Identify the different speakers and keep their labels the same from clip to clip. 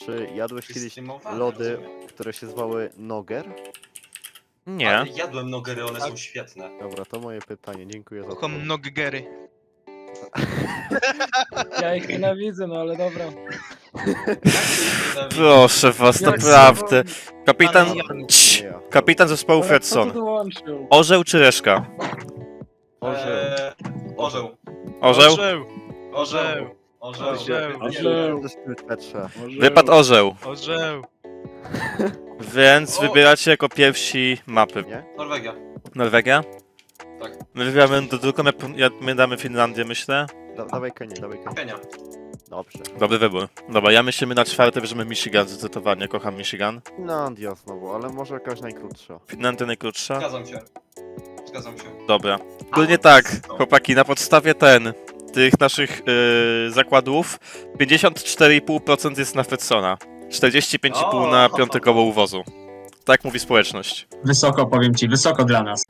Speaker 1: Czy jadłeś kiedyś
Speaker 2: Wystreamowane,
Speaker 1: lody,
Speaker 2: rozumiem.
Speaker 1: które się zwały Nogger?
Speaker 3: Nie.
Speaker 2: Ale jadłem nogery, one są świetne.
Speaker 1: Dobra, to moje pytanie, dziękuję za to.
Speaker 4: Kocham noggery.
Speaker 5: Ja ich nienawidzę, no ale dobra.
Speaker 3: Proszę was,
Speaker 5: Jak
Speaker 3: naprawdę. Kapitan...
Speaker 4: Ale ja-
Speaker 3: Cii.
Speaker 1: Nie ja.
Speaker 3: Kapitan zespołu
Speaker 5: Ale kto
Speaker 3: Fredson.
Speaker 5: tu dołączył?
Speaker 3: Orzeł czy reszka?
Speaker 1: Orzeł.
Speaker 2: Orzeł.
Speaker 3: Orzeł?
Speaker 2: Orzeł.
Speaker 4: Orzeł.
Speaker 5: Orzeł.
Speaker 1: Petrze.
Speaker 3: Wypadł orzeł.
Speaker 4: Orzeł.
Speaker 3: Więc
Speaker 2: O.
Speaker 3: wybieracie jako pierwsi mapy.
Speaker 1: Nie?
Speaker 2: Norwegia.
Speaker 3: Norwegia?
Speaker 2: Tak.
Speaker 3: My wybieramy do drugą, my damy Finlandię, myślę.
Speaker 1: Dawaj Kenię, dawaj Kenię.
Speaker 2: Kenia.
Speaker 1: Dobrze.
Speaker 3: Dobry wybór. Dobra, ja myślimy na czwarte, bierzemy Michigan zdecydowanie. Kocham Michigan.
Speaker 1: Finlandia znowu, ale może jakaś najkrótsza.
Speaker 3: Finlandia najkrótsza?
Speaker 2: Zgadzam się. Zgadzam się.
Speaker 3: Dobra. Ogólnie tak, chłopaki, na podstawie tych naszych zakładów 54,5% jest na Fredsona. 45,5% na piąte koło uwozu. Tak mówi społeczność.
Speaker 6: Wysoko, powiem ci, wysoko dla nas.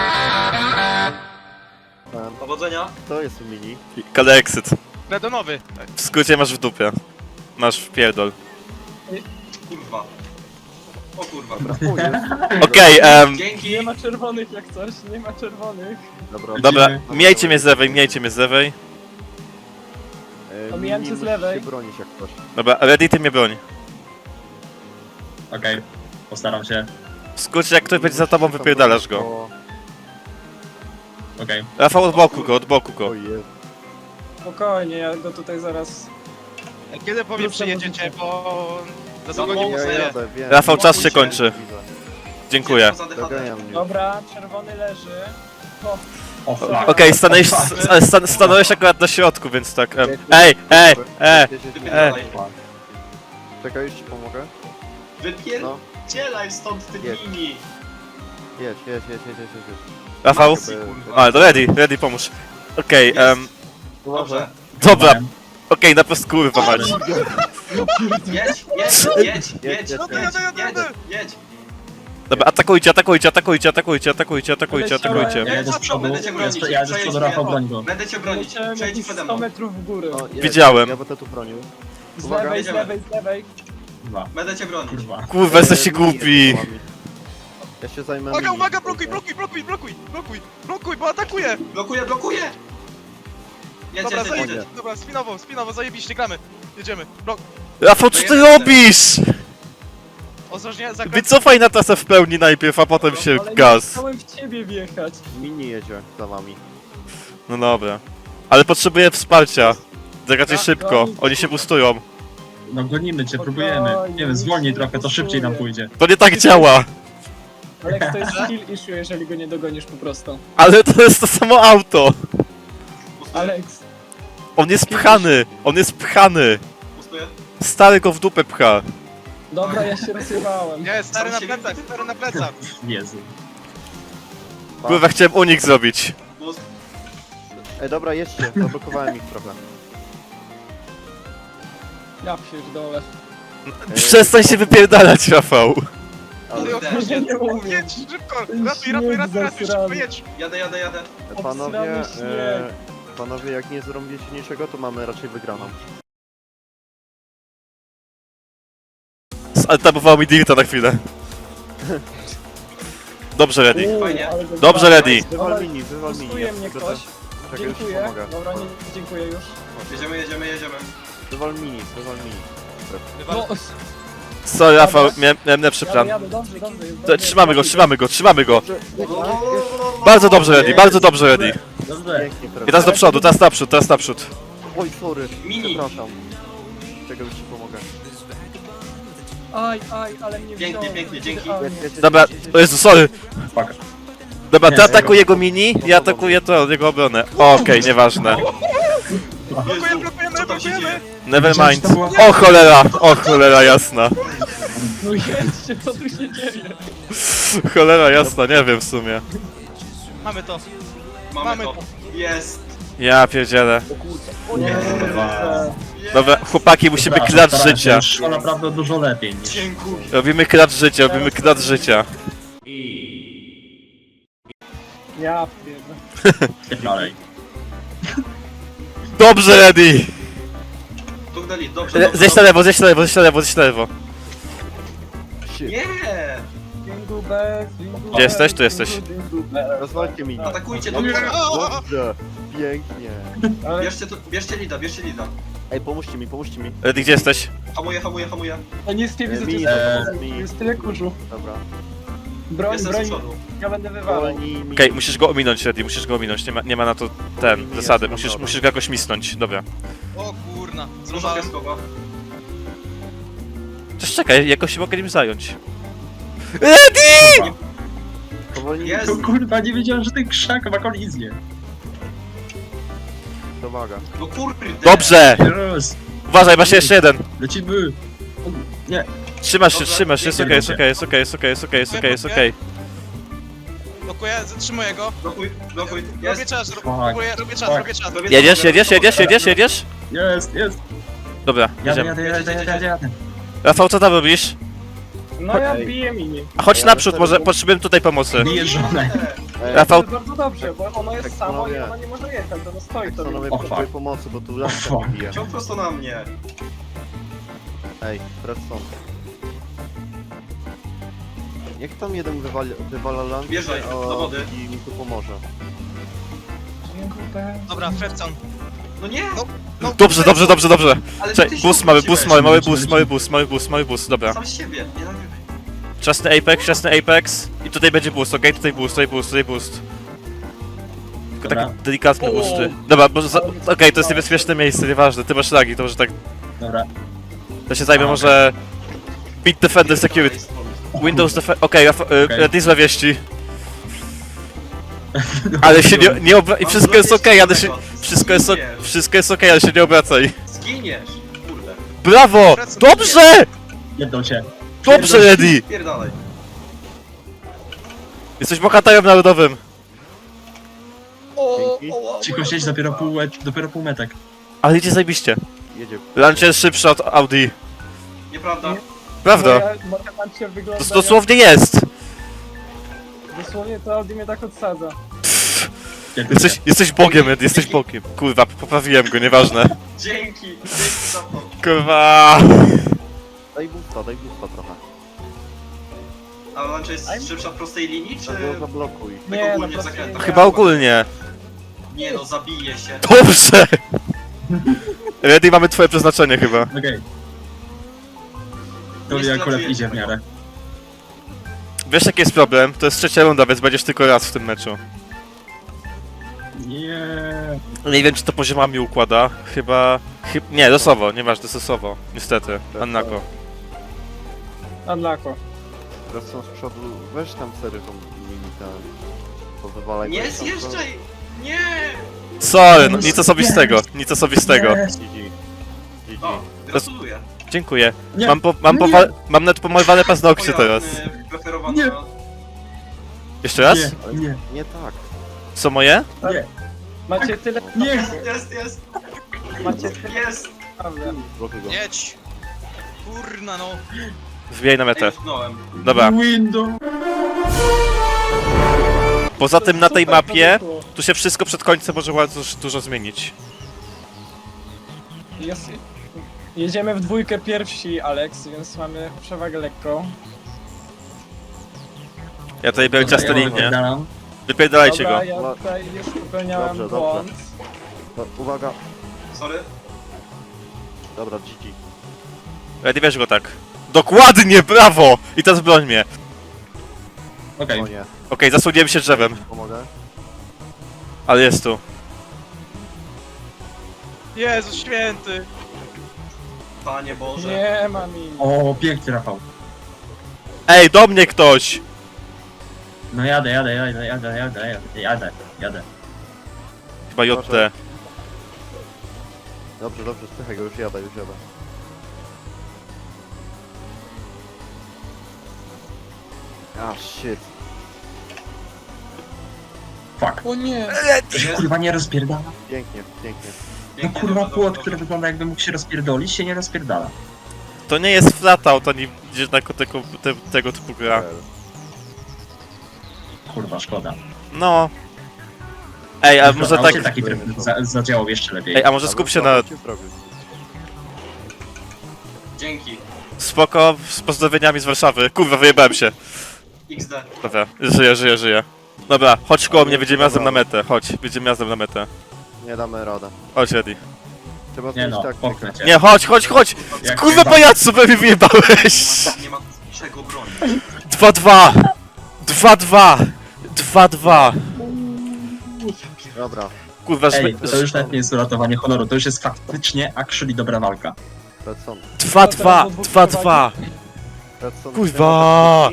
Speaker 2: Powodzenia.
Speaker 1: To jest mini.
Speaker 3: Kalexyt.
Speaker 4: Redonowy.
Speaker 3: W skrócie masz w dupie. Masz w pierdol.
Speaker 2: Kurwa. O kurwa.
Speaker 1: O, jest.
Speaker 3: Okej,
Speaker 2: Dzięki.
Speaker 5: Nie ma czerwonych jak coś, nie ma czerwonych.
Speaker 1: Dobra,
Speaker 3: dobra, miejcie mnie z lewej, miejcie mnie z lewej.
Speaker 5: Omijam cię z
Speaker 1: musisz
Speaker 5: lewej.
Speaker 1: się bronić jak coś.
Speaker 3: Dobra, ready, ty mnie broń.
Speaker 6: Okej, postaram się.
Speaker 3: W skrócie, jak ktoś będzie za tobą, wypierdalasz go.
Speaker 1: O,
Speaker 6: Okej.
Speaker 3: Rafał, od boku go, od boku go.
Speaker 1: o jest.
Speaker 5: Spokojnie, ja go tutaj zaraz...
Speaker 4: Kiedy po mnie przyjedziecie, bo za długo
Speaker 2: Za
Speaker 4: nie
Speaker 2: mało
Speaker 1: Ja
Speaker 4: poznaję.
Speaker 1: jadę, wiem.
Speaker 3: Rafał, czas się
Speaker 2: Widzę.
Speaker 3: kończy. Dziękuję.
Speaker 2: Poza DHD.
Speaker 1: Doganiam mnie.
Speaker 5: Dobra, czerwony leży. O,
Speaker 6: O fuck.
Speaker 3: Okej, stanąłeś akurat na środku, więc tak.
Speaker 2: Wypierdalaj.
Speaker 1: Czekaj, już ci pomogę. No,
Speaker 2: Wypierdzielaj stąd ty
Speaker 1: Jedź.
Speaker 2: mini.
Speaker 1: jedź.
Speaker 3: Rafał?
Speaker 2: Maxi, kurwa.
Speaker 3: A, to ready, pomóż. Okej,
Speaker 2: Dobrze.
Speaker 3: dobra. Okej, na prostu kurwa mać.
Speaker 2: Jedź.
Speaker 1: Jedź.
Speaker 2: Jedź.
Speaker 3: Dobra, atakujcie.
Speaker 6: Ja jedę z przodu,
Speaker 2: Będę cię bronić.
Speaker 6: ja jedę z przodu, Rafał, broń go.
Speaker 2: Będę cię bronić.
Speaker 5: leciałem
Speaker 2: Przejdź
Speaker 5: jakieś
Speaker 2: przede
Speaker 5: 100
Speaker 2: mną.
Speaker 5: metrów w górę.
Speaker 1: O, jest.
Speaker 3: Widziałem.
Speaker 1: Ja będę tu bronił.
Speaker 5: Z
Speaker 1: Uwaga.
Speaker 5: lewej, z
Speaker 2: jedziemy.
Speaker 5: lewej, z lewej.
Speaker 6: Kurwa,
Speaker 2: Będę cię bronić.
Speaker 6: kurwa.
Speaker 3: Kurwa, jesteście głupi.
Speaker 1: Ja się zajmę.
Speaker 4: Uwaga,
Speaker 1: mini.
Speaker 4: uwaga, blokuj, bo atakuje!
Speaker 2: Blokuję. Jedź.
Speaker 4: Dobra,
Speaker 1: jedź.
Speaker 4: zajedziesz. Dobra, spinowo, zajebiście, gramy. Jedziemy.
Speaker 3: Rafał, co ty robisz?
Speaker 4: Ostrożnie, zakręt.
Speaker 3: Wycofaj na tasę w pełni najpierw, a potem się
Speaker 5: Ale nie
Speaker 3: gaz.
Speaker 5: chciałem w ciebie wjechać.
Speaker 1: Mini jedzie za wami.
Speaker 3: No dobra. Ale potrzebuję wsparcia. Tak raczej
Speaker 4: Ja-
Speaker 3: szybko, oni się bustują.
Speaker 6: No gonimy cię, próbujemy. Nie wiem, zwolnij trochę, to szybciej nam pójdzie.
Speaker 3: To nie tak działa.
Speaker 5: Ale to jest skill issue, jeżeli go nie dogonisz po prostu.
Speaker 3: Ale to jest to samo auto.
Speaker 5: Alex,
Speaker 3: On jest pchany.
Speaker 2: Pustuję.
Speaker 3: Stary go w dupę pcha.
Speaker 5: dobra, ja się rozjebałem.
Speaker 4: Nie, stary na
Speaker 2: Sam
Speaker 4: plecach,
Speaker 6: Jezu.
Speaker 3: Kurwa, chciałem unik zrobić.
Speaker 2: Pust.
Speaker 1: Ej, dobra, jedźcie, zablokowałem ich trochę.
Speaker 5: Ja pierdolę.
Speaker 3: Przestań się wypierdalać, Rafał.
Speaker 1: Ale
Speaker 5: Ja nie umiem.
Speaker 4: Jedź, szybko!
Speaker 5: Śnieg
Speaker 4: Ratuj, szybko,
Speaker 5: zasrany.
Speaker 4: jedź!
Speaker 2: Jadę.
Speaker 1: panowie,
Speaker 5: Obsrany śnieg.
Speaker 1: panowie, jak nie zrobicie niczego, to mamy raczej wygraną.
Speaker 3: Zaltabował mi Dirta na chwilę. Dobrze, ready.
Speaker 2: Fajnie.
Speaker 5: Ale go
Speaker 3: Dobrze,
Speaker 5: zjebałem.
Speaker 3: ready.
Speaker 1: Wywal mini, wywal mini.
Speaker 5: Pustuje mnie ktoś.
Speaker 1: Czekaj, już ci
Speaker 5: Dziękuję.
Speaker 1: pomogę.
Speaker 5: Dobra, nie, dziękuję już.
Speaker 2: Jedziemy.
Speaker 1: Wywal mini.
Speaker 5: No,
Speaker 3: Sorry, Rafał, miałem lepszy plan.
Speaker 5: jadę, dobrze.
Speaker 3: To trzymamy go. Bardzo dobrze, ready.
Speaker 6: Dobrze.
Speaker 1: Pięknie,
Speaker 3: I teraz do przodu, teraz naprzód.
Speaker 1: Oj, sorry.
Speaker 2: Mini.
Speaker 1: Przepraszam. Czekaj, już ci pomogę.
Speaker 5: Aj, ale mnie
Speaker 2: Pięknie,
Speaker 5: wziął.
Speaker 2: dzięki.
Speaker 5: Aj,
Speaker 3: Dobra, o Jezu, sorry.
Speaker 6: Fuck.
Speaker 3: Dobra, ty
Speaker 6: Nie,
Speaker 3: atakuj jego mini, ja atakuję jego obronę. Okej, nieważne.
Speaker 4: Blokujemy,
Speaker 2: Co tam się dzieje?
Speaker 3: Nevermind. O cholera jasna.
Speaker 5: No jedźcie, co tu się dzieje?
Speaker 3: Cholera jasna, nie wiem w sumie.
Speaker 4: Mamy to.
Speaker 2: Mamy to. Jest.
Speaker 3: Ja pierdzielę.
Speaker 6: Kurwa.
Speaker 3: Dobra, chłopaki, musimy
Speaker 6: Przepraszam,
Speaker 3: klacz
Speaker 6: starałem się,
Speaker 3: życia.
Speaker 6: już szło naprawdę dużo lepiej niż...
Speaker 2: Dziękuję.
Speaker 3: Robimy klacz życia.
Speaker 5: Ja pierdolę.
Speaker 6: Dalej.
Speaker 3: Dobrze, ready.
Speaker 2: Tu Elit, dobrze.
Speaker 3: Zjeść na lewo, zjeść na lewo, zjeść na lewo, zjeść na lewo.
Speaker 1: Shit.
Speaker 2: Nie!
Speaker 5: Jingle bells, jingle
Speaker 3: Gdzie jesteś?
Speaker 5: bells,
Speaker 3: Tu jesteś.
Speaker 5: jingle bells.
Speaker 1: Rozwalcie mi.
Speaker 2: Atakujcie,
Speaker 1: Dobrze,
Speaker 2: dobrze.
Speaker 1: dobrze. Pięknie.
Speaker 5: Ale
Speaker 2: Bierzcie Lida.
Speaker 1: Ej, pomóżcie mi, pomóżcie mi.
Speaker 3: Reddy, gdzie jesteś?
Speaker 2: Hamuję.
Speaker 5: ja nic nie widzę,
Speaker 1: Mi,
Speaker 5: tu jest tyle kurzu.
Speaker 1: Dobra.
Speaker 5: Broń,
Speaker 2: Jestem z
Speaker 5: broń,
Speaker 2: przodu.
Speaker 5: ja będę wywalał.
Speaker 1: Wolni mi.
Speaker 3: Okej, musisz go ominąć, Reddy, musisz go ominąć. Nie ma na to zasady. Musisz go jakoś misnąć. Dobra.
Speaker 4: O kurna,
Speaker 2: Dużo
Speaker 4: zrąbałem.
Speaker 2: piaskowa.
Speaker 3: Też czekaj, jakoś się mogę nim zająć. Reddy!
Speaker 1: Powolni
Speaker 2: Jest.
Speaker 6: To kurwa, nie wiedziałem, że ten krzak ma kolizję.
Speaker 1: Domaga.
Speaker 2: No kurde.
Speaker 3: Dobrze!
Speaker 6: Teraz,
Speaker 3: Uważaj, masz jeszcze jeden.
Speaker 6: lecimy. Nie,
Speaker 3: Trzymasz się,
Speaker 2: Dobra,
Speaker 3: trzymasz się, jest okej, jest
Speaker 6: pięknie.
Speaker 3: okej, jest okej, jest okej, jest okej, jest okej, jest okej.
Speaker 4: Blokuję, zatrzymuję go.
Speaker 2: Blokuj.
Speaker 4: Robię
Speaker 2: Jest.
Speaker 4: czas,
Speaker 6: Fuck.
Speaker 4: robię czas.
Speaker 3: Jedziesz? Jedziesz?
Speaker 6: jest.
Speaker 3: Dobra,
Speaker 6: Jadę.
Speaker 3: jedziemy. Rafał, co tam robisz?
Speaker 5: No ja
Speaker 1: Ej.
Speaker 5: biję mini.
Speaker 3: A chodź naprzód, może potrzebujemy tutaj pomocy.
Speaker 6: Bije żonę.
Speaker 3: Rafał,
Speaker 5: To jest bardzo dobrze, bo ono jest
Speaker 1: Tak,
Speaker 5: samo i
Speaker 1: panowie.
Speaker 5: ono nie może jechać, ono stoi sobie.
Speaker 1: Panowie,
Speaker 6: O,
Speaker 1: potrzebuję
Speaker 6: fuck.
Speaker 1: pomocy, bo tu
Speaker 6: O,
Speaker 1: lampka
Speaker 6: fuck.
Speaker 1: bije.
Speaker 2: Ciąg prosto na mnie.
Speaker 1: Ej, Redstone. Niech tam jeden wywala lampkę,
Speaker 2: Wjeżdżaj,
Speaker 1: a
Speaker 2: do wody.
Speaker 1: i mi tu pomoże.
Speaker 5: Jingle bells.
Speaker 4: Dobra, Fredson.
Speaker 2: No nie!
Speaker 3: dobrze.
Speaker 2: Ale
Speaker 3: Czekaj,
Speaker 2: ty
Speaker 3: boost
Speaker 2: się
Speaker 3: mamy,
Speaker 2: wróciłeś.
Speaker 3: mały boost, dobra.
Speaker 2: Sam z siebie, nie nagrywaj.
Speaker 3: Wczesny Apex i tutaj będzie boost, okej? Tutaj boost. Tylko
Speaker 6: Dobra.
Speaker 3: taki delikatny
Speaker 5: O.
Speaker 3: boost. Dobra, okej, to jest niebezpieczne miejsce, nieważne, ty masz lagi, to może tak...
Speaker 6: Dobra.
Speaker 3: To się zajmie
Speaker 6: A,
Speaker 3: może... Beat Defender Security. Windows Defender... Okej, Reddy złe wieści. Ale się nie I wszystko jest okej, ale się... Wszystko jest okej, ale się nie obracaj.
Speaker 2: Zginiesz! Kurde.
Speaker 3: Brawo! Dobrze!
Speaker 6: Jedną cię.
Speaker 3: Dobrze, Reddy!
Speaker 2: Pierdalaj.
Speaker 3: Jesteś bohaterem narodowym.
Speaker 1: Dzięki.
Speaker 6: Cicho siedź, dopiero pół metek.
Speaker 3: Ale idzie zajebiście.
Speaker 1: Jedzie.
Speaker 3: Launcher jest szybszy od Audi.
Speaker 2: Nieprawda.
Speaker 3: Prawda?
Speaker 5: Moja matematyka wygląda
Speaker 3: To dosłownie jest.
Speaker 5: Dosłownie to Audi mnie tak odsadza.
Speaker 3: Jesteś bogiem, Ed, jesteś bogiem. Kurwa, poprawiłem go, nieważne.
Speaker 2: Dzięki za to.
Speaker 3: Kurwa.
Speaker 1: Daj boosta trochę.
Speaker 2: A lunch jest szybsza w prostej linii, czy...
Speaker 1: Tak go zablokuj.
Speaker 2: Tak
Speaker 5: Nie,
Speaker 2: ogólnie
Speaker 5: no
Speaker 2: w zakrętach?
Speaker 3: Chyba ogólnie.
Speaker 2: Nie no, zabije się.
Speaker 3: Dobrze. Reddy, mamy twoje przeznaczenie chyba.
Speaker 6: Okej. To
Speaker 2: Nie
Speaker 6: mi akurat
Speaker 2: sklatujecie
Speaker 6: idzie w
Speaker 2: tego.
Speaker 6: miarę.
Speaker 3: Wiesz jaki jest problem? To jest trzecia runda, więc będziesz tylko raz w tym meczu.
Speaker 6: Nie.
Speaker 3: Nie wiem czy to poziomami układa. Chyba... Nie, losowo, nieważne, losowo. Niestety. Annako.
Speaker 5: Unlocko.
Speaker 1: Redstone z przodu. Weź tam sery tą mini ten. Powywalaj.
Speaker 2: Nie
Speaker 1: go tam,
Speaker 2: zjeżdżaj! Nie!
Speaker 3: Sorry, no, nic osobistego, nic osobistego.
Speaker 6: Yes.
Speaker 1: GG.
Speaker 2: O, gratuluję.
Speaker 3: Dziękuję.
Speaker 6: Nie.
Speaker 3: Mam nawet pomalowane paznokcie teraz.
Speaker 2: Preferowana...
Speaker 6: Nie.
Speaker 3: Jeszcze raz?
Speaker 6: Nie.
Speaker 1: Nie tak.
Speaker 3: Co moje?
Speaker 6: Nie.
Speaker 5: Macie tyle...
Speaker 6: Nie.
Speaker 2: Jest!
Speaker 5: Macie tyle...
Speaker 2: Jest!
Speaker 5: Prawda.
Speaker 1: Blokuj go.
Speaker 4: Jedź. Kurna no.
Speaker 3: Wbijaj na metę.
Speaker 2: Utknąłem.
Speaker 3: Dobra.
Speaker 6: Window.
Speaker 3: Poza tym na tej
Speaker 5: Super, to
Speaker 3: mapie,
Speaker 5: było.
Speaker 3: tu się wszystko przed końcem może bardzo dużo zmienić.
Speaker 5: Jedziemy w dwójkę pierwsi, Alex, więc mamy przewagę lekką.
Speaker 3: Ja tutaj biorę ciasto linię.
Speaker 6: Wypierdalam.
Speaker 3: Wypierdalajcie go.
Speaker 5: Dobra, ja tutaj już popełniałem
Speaker 1: Dobrze,
Speaker 5: błąd.
Speaker 1: No, uwaga.
Speaker 2: Sorry.
Speaker 1: Dobra, GG.
Speaker 3: Reddy, wiesz go tak. Dokładnie, brawo! I teraz broń mnie.
Speaker 6: Okej.
Speaker 1: O nie.
Speaker 3: Okej, zasłoniłem się drzewem,
Speaker 1: Pomogę?
Speaker 3: ale jest tu.
Speaker 4: Jezu święty.
Speaker 2: Panie Boże.
Speaker 5: Nie ma mi.
Speaker 6: O, piękny Rafał.
Speaker 3: Ej, do mnie ktoś!
Speaker 6: No jadę.
Speaker 3: Chyba JT.
Speaker 1: Dobrze, spychaj go, już jadę. Ah, shit.
Speaker 6: Fuck.
Speaker 5: O nie.
Speaker 6: To się kurwa nie rozpierdala.
Speaker 1: Pięknie.
Speaker 6: No
Speaker 2: Pięknie,
Speaker 6: kurwa
Speaker 2: dobrze,
Speaker 6: płot,
Speaker 2: dobrze,
Speaker 6: który
Speaker 2: dobrze.
Speaker 6: wygląda jakby mógł się rozpierdolić, się nie rozpierdala.
Speaker 3: To nie jest flatout, ani gdzie tego typu gra.
Speaker 6: Kurwa, szkoda.
Speaker 3: No. Ej, a może
Speaker 6: A
Speaker 3: tak...
Speaker 6: się taki tryb zadziałał jeszcze lepiej.
Speaker 3: Ej, a może skup się na...
Speaker 2: Dzięki.
Speaker 3: Spoko, z pozdrowieniami z Warszawy. Kurwa, wyjebałem się.
Speaker 2: XD.
Speaker 3: Dobra, żyję. Dobra, chodź koło mnie, będziemy razem na metę. Chodź, będziemy razem na metę.
Speaker 1: Nie damy radę.
Speaker 3: Chodź, Eddie.
Speaker 1: Trzeba
Speaker 6: Nie
Speaker 1: zmienić
Speaker 6: no,
Speaker 1: taktykę.
Speaker 6: popchnę cię.
Speaker 3: Nie, chodź!
Speaker 6: Jak
Speaker 3: Kurwa,
Speaker 6: najbardziej.
Speaker 3: pajacu, we mnie wyjebałeś!
Speaker 2: Nie ma czego bronić.
Speaker 3: 2-2! 2-2!
Speaker 1: Dobra,
Speaker 3: Kurwa, żeby...
Speaker 6: Ej, to już nawet nie jest uratowanie honoru, to już jest faktycznie actually dobra walka.
Speaker 1: Redson.
Speaker 3: 2-2!
Speaker 1: Redson.
Speaker 3: Kurwa!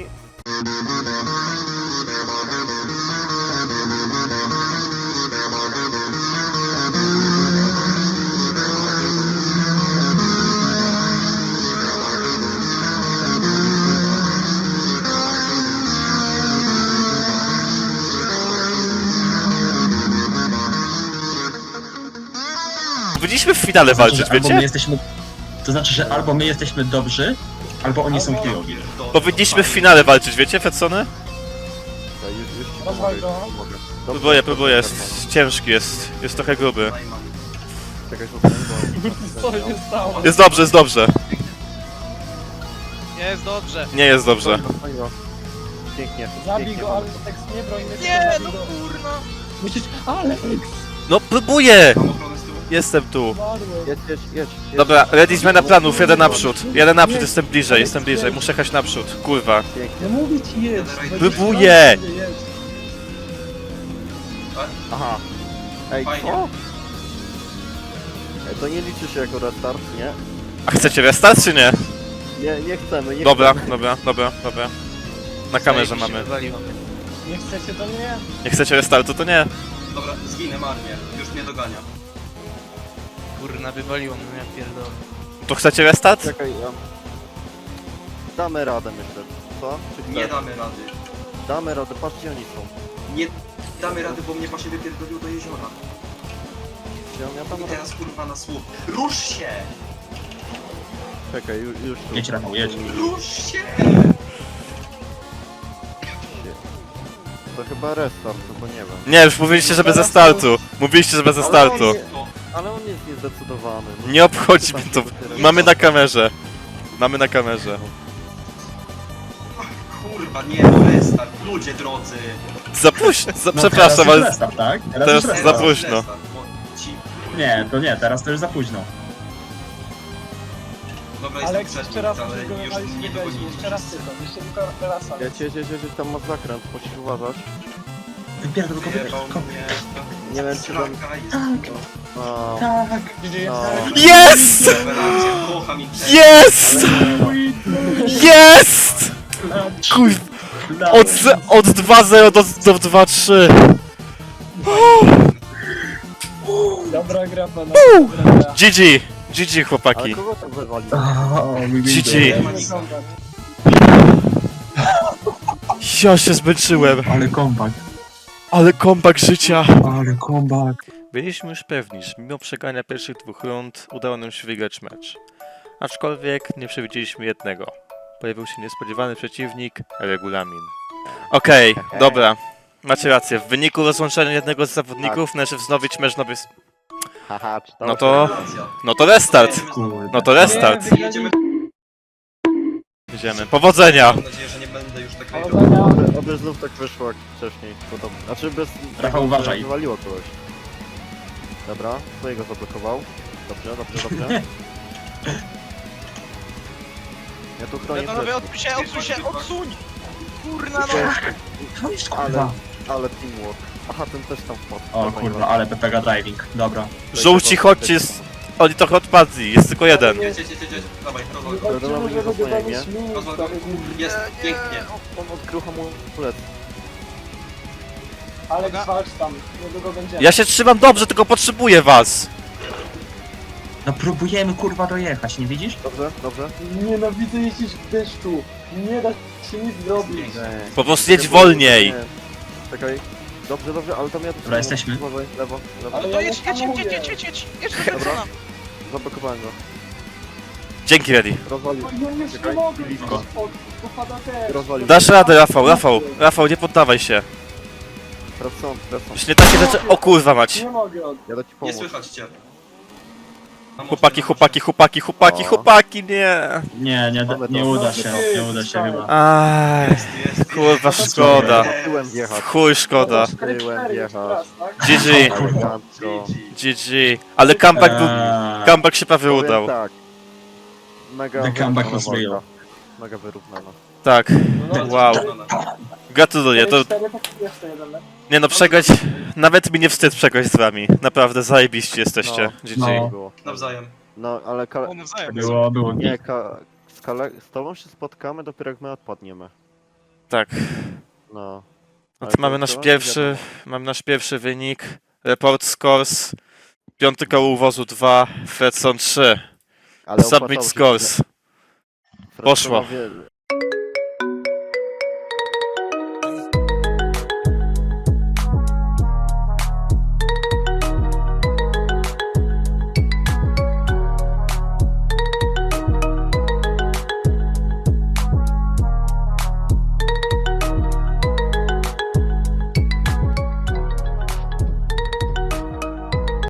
Speaker 3: Powinniśmy w finale walczyć,
Speaker 6: Albo my
Speaker 3: wiecie?
Speaker 6: jesteśmy... To znaczy, że albo my jesteśmy dobrzy, albo oni są chujowi.
Speaker 3: Powinniśmy w finale walczyć, wiecie, Fedsony?
Speaker 1: Ja już ci
Speaker 5: Rozwal go.
Speaker 1: pomogę.
Speaker 3: Próbuję, jest ciężki, jest trochę gruby.
Speaker 1: Czekaj, zostań, bo...
Speaker 5: Co się stało?
Speaker 3: Jest dobrze.
Speaker 4: Nie jest dobrze.
Speaker 3: Nie jest dobrze.
Speaker 1: Zostań go. Pięknie.
Speaker 5: Zabij
Speaker 1: pięknie,
Speaker 5: go,
Speaker 1: mamy.
Speaker 5: Alex, nie broń mnie.
Speaker 4: Nie,
Speaker 5: zabij
Speaker 4: no
Speaker 5: go.
Speaker 4: kurno.
Speaker 5: Musisz... Alex!
Speaker 3: No próbuję!
Speaker 2: Mam ochronę z tyłu.
Speaker 3: Jestem tu.
Speaker 5: Umarłem.
Speaker 1: Jedź.
Speaker 3: Dobra, ready zmiana planów, jeden naprzód, jestem bliżej, muszę jechać naprzód, kurwa.
Speaker 1: Pięknie.
Speaker 5: No mówię ci jedź.
Speaker 3: Próbuję.
Speaker 5: Jedź.
Speaker 1: Aha. Ej,
Speaker 2: Fajnie.
Speaker 1: co? Ej, to nie liczy się jako restart, nie?
Speaker 3: A chcecie restart czy nie?
Speaker 1: Nie chcemy, nie
Speaker 3: Dobra.
Speaker 1: chcemy.
Speaker 3: Na kamerze mamy.
Speaker 5: Nie chcecie, to nie.
Speaker 3: Nie chcecie restartu, to nie.
Speaker 2: Dobra, zginę marnie. Już mnie dogania.
Speaker 4: Kurna, wywaliło mnie, ja pierdolę.
Speaker 3: To chcecie restart?
Speaker 1: Czekaj, ja... Damy radę, myślę. Co? Czy
Speaker 2: Nie
Speaker 1: chcesz?
Speaker 2: damy rady.
Speaker 1: Damy radę, patrzcie, oni są.
Speaker 2: Nie damy rady, bo mnie właśnie wypierdolił do jeziora.
Speaker 1: Ja tam
Speaker 2: I teraz kurwa na słup. Rusz się!
Speaker 1: Czekaj, już tu.
Speaker 6: Jedź, Rafał, jedź.
Speaker 2: Rusz się!
Speaker 1: To chyba restart, no bo nie wiem.
Speaker 3: Nie, już mówiliście, że bez restartu. Mówiliście, że bez restartu.
Speaker 2: No,
Speaker 1: Ale on jest niezdecydowany. No.
Speaker 3: Nie obchodzi mnie to. Mamy na kamerze.
Speaker 2: kurwa, nie, no restart. Ludzie drodzy.
Speaker 3: Za późno,
Speaker 6: No,
Speaker 3: przepraszam,
Speaker 6: teraz już
Speaker 3: ale...
Speaker 6: restart, tak?
Speaker 3: Teraz
Speaker 6: już
Speaker 3: za
Speaker 6: restart.
Speaker 3: późno.
Speaker 2: Restart, bo ci...
Speaker 6: Nie, to nie, teraz to już za późno.
Speaker 2: Dobra, jestem
Speaker 5: Alex,
Speaker 2: przed
Speaker 5: jeszcze
Speaker 2: nim,
Speaker 5: raz
Speaker 2: ale
Speaker 5: musisz go
Speaker 2: już
Speaker 5: wywalić
Speaker 2: nie
Speaker 5: nie
Speaker 2: dogonicie.
Speaker 5: Jeszcze raz tylko, teraz.
Speaker 1: Jedź, tam masz zakręt, musisz uważać.
Speaker 6: Wypierdol go,
Speaker 2: Zjebał
Speaker 6: wypierdol go.
Speaker 2: mnie.
Speaker 1: Nie wiem, czy tam...
Speaker 2: Straka jest.
Speaker 1: No,
Speaker 6: Tak.
Speaker 1: no.
Speaker 3: Jest!
Speaker 2: Rewelacja, kocham ich.
Speaker 3: Jest! Jest! Kuj... Od 2-0 do 2-3.
Speaker 5: Dobra gra, pana. Dobra gra.
Speaker 3: GG
Speaker 1: Ale
Speaker 3: chłopaki.
Speaker 1: kogo tam wywalił?
Speaker 3: GG.
Speaker 2: Nie ma nic.
Speaker 3: Ja się zmęczyłem.
Speaker 6: Ale comeback,
Speaker 3: Ale kompak życia.
Speaker 6: ale comeback.
Speaker 3: Byliśmy już pewni, że mimo przegrania pierwszych 2 rund udało nam się wygrać mecz. Aczkolwiek nie przewidzieliśmy jednego. Pojawił się niespodziewany przeciwnik, regulamin. Okej, dobra. Macie rację. W wyniku rozłączenia jednego z zawodników należy wznowić mecz nowy...
Speaker 1: Haha, czy
Speaker 3: No to...
Speaker 2: Rewelacja.
Speaker 3: No to restart.
Speaker 6: Kurde.
Speaker 3: No to restart.
Speaker 5: Nie,
Speaker 2: Jedziemy.
Speaker 3: Idziemy. Powodzenia!
Speaker 2: Mam nadzieję, że nie będę już tak rejdował.
Speaker 5: Powodzenia.
Speaker 1: Oby znów tak wyszło jak wcześniej. Podobno. Znaczy bez...
Speaker 6: Rafał, uważaj.
Speaker 1: Wywaliło kogoś. Dobra, swojego zablokował. Dobrze. Ja tu chronię
Speaker 4: Panowie,
Speaker 1: plecy.
Speaker 4: odsuń! Kurna, no!
Speaker 6: To jest
Speaker 1: Ale,
Speaker 6: kurwa.
Speaker 1: ale teamwork. Aha, ten też tam wpadł.
Speaker 6: O
Speaker 1: Dobra,
Speaker 6: kurwa,
Speaker 1: nie
Speaker 6: ale PPG driving. Dobra.
Speaker 3: Żółci, chodźcie, oni trochę odpadli, jest tylko jeden.
Speaker 2: Jedź. Dawaj, rozwal go.
Speaker 1: Dobra,
Speaker 5: Chodźcie,
Speaker 1: nie
Speaker 5: żeby
Speaker 1: zasłaniaj
Speaker 5: go
Speaker 1: mnie.
Speaker 2: Rozwal go. Jest, pięknie.
Speaker 1: On odkrył hamulec.
Speaker 5: Alex, walcz tam. Niedługo będziemy.
Speaker 3: Ja się trzymam dobrze, tylko potrzebuję was.
Speaker 6: No próbujemy kurwa dojechać, nie widzisz?
Speaker 1: Dobrze.
Speaker 5: Nienawidzę jeździć w deszczu. Nie da się nic zrobić.
Speaker 3: Po prostu jedź wolniej.
Speaker 1: Czekaj. Dobrze, ale tam ja...
Speaker 6: Dobra, jesteśmy.
Speaker 1: Uważaj, lewo.
Speaker 5: Ale
Speaker 4: To
Speaker 5: ja
Speaker 4: jedź,
Speaker 5: nie
Speaker 4: jedź,
Speaker 5: hamuję.
Speaker 4: jedź do Fedsona.
Speaker 1: Zablokowałem go.
Speaker 3: Dzięki, Ready.
Speaker 1: Rozwalił.
Speaker 5: Ja jeszcze
Speaker 1: Czekaj,
Speaker 5: mogę.
Speaker 1: blisko.
Speaker 5: Popada też.
Speaker 1: Rozwalił.
Speaker 3: Dasz radę, Rafał, nie poddawaj się.
Speaker 1: Tracą.
Speaker 3: Już nie takie rzeczy... O kurwa mać.
Speaker 5: Nie mogę.
Speaker 1: Ja da ci
Speaker 2: Nie
Speaker 1: pomóc.
Speaker 2: słychać cię.
Speaker 3: Chłopaki, nie!
Speaker 6: Nie uda się, nie uda się chyba.
Speaker 3: Aj, kurwa, szkoda.
Speaker 1: Tyłem wjechać.
Speaker 3: Chuj, szkoda.
Speaker 1: Tyłem wjechać.
Speaker 3: GG,
Speaker 1: Elegancko.
Speaker 3: GG. Ale comeback się prawie
Speaker 1: Powiem
Speaker 3: udał.
Speaker 1: tak. Mega
Speaker 6: The comeback was
Speaker 1: wyrównana
Speaker 6: real.
Speaker 1: walka. Mega wyrównana.
Speaker 3: Tak,
Speaker 5: No,
Speaker 3: wow. Gratuluję, to...
Speaker 5: 4 jeszcze jeden, nie?
Speaker 3: Nie no, przegrać... Nawet mi nie wstyd przegrać z wami. Naprawdę zajebiście jesteście. GG.
Speaker 6: No.
Speaker 1: Było.
Speaker 2: Nawzajem.
Speaker 1: No, ale
Speaker 4: On nawzajem.
Speaker 6: Było
Speaker 1: nie, z tobą się spotkamy dopiero jak my odpadniemy.
Speaker 3: Tak.
Speaker 1: No.
Speaker 3: No
Speaker 1: Ale
Speaker 3: to mamy
Speaker 1: to
Speaker 3: nasz
Speaker 1: wiadomo.
Speaker 3: nasz pierwszy wynik. Report scores. 5 koło uwozu 2, Fredson 3.
Speaker 1: Ale
Speaker 3: Submit
Speaker 1: opłacało się-
Speaker 3: scores. Poszło.
Speaker 1: Fredsonowie